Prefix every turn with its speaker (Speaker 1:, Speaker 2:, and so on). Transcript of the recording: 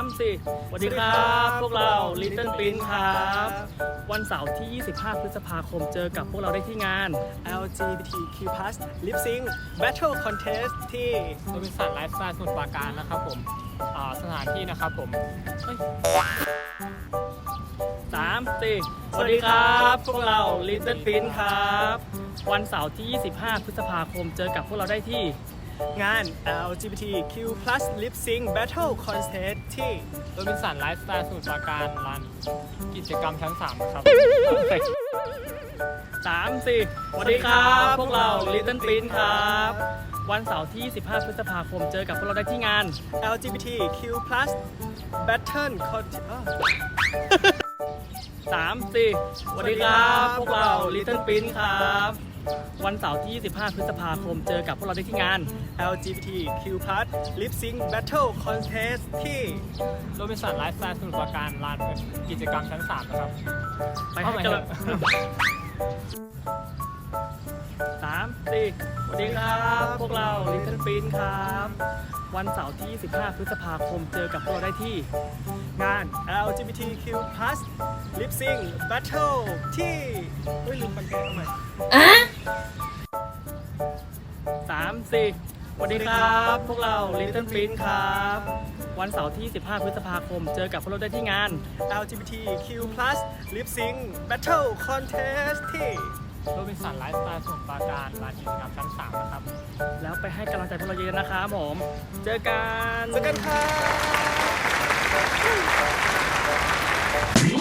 Speaker 1: 3 4สวัสดีครับพวกเรา Little Prince ครับวันเสาร์ที่ 25 พฤษภาคมเจอกับพวกเราได้ที่งาน
Speaker 2: LGBTQ+ Lip Sync Battle Contest ที่
Speaker 3: โรบินสันไลฟ์สไตล์สมุทรปราการนะครับผมสถานที่นะครับผม
Speaker 1: 3 4สวัสดีครับพวกเรา Little Prince ครับวันเสาร์ที่ 25 พฤษภาคมเจอกับพวกเราได้ที่
Speaker 2: งาน LGBTQ+ Lip Sync Battle Contest ที่
Speaker 3: โรบินสันไลฟ์สไตล์สมุทรปราการลานกิจกรรมชั้น3ครับ
Speaker 1: 3 4สวัสดีครับพวกเรา Little Prince ครับวันเสาร์ที่ 25 พฤษภาคมเจอกับพวกเราได้ที่งาน
Speaker 2: LGBTQ+ Battle Contest
Speaker 1: 3 4สวัสดีครับพวกเรา Little Prince ครับวันเสาร์ที่ 25 พฤษภาคมเจอกับพวกเราได้ที่งาน
Speaker 2: LGBTQ+ Lip Sync Battle Contest ที่
Speaker 3: โรบินสันไลฟ์สไตล์สมุทรปราการลานกิจกรรมชั้น3นะครับ
Speaker 1: ไปให้กำลัง3 4สวัสดีครับพวกเรา Little Prince ครับวันเสาร์ที่ 25 พฤษภาคมเจอกับพวกเราได้ที่
Speaker 2: งาน LGBTQ+ Lip Sync Battle ที่ลืมคอนเทนต์เอาใหม่
Speaker 1: 3 4สวัสดีครับพวกเรา Little Prince ครับวันเสาร์ที่ 15 พฤษภาคมเจอกับพวกเราได้ที่งาน
Speaker 2: LGBTQ+ Lip Sync Battle Contest ที่
Speaker 3: โรบินสันไลฟ์สไตล์สมุทรปราการลานกิจกรรมชั้น3นะครับ
Speaker 1: แล้วไปให้กำลังใจพวกเราเยอะๆนะครับผมเจอกัน
Speaker 2: เจอกันครับ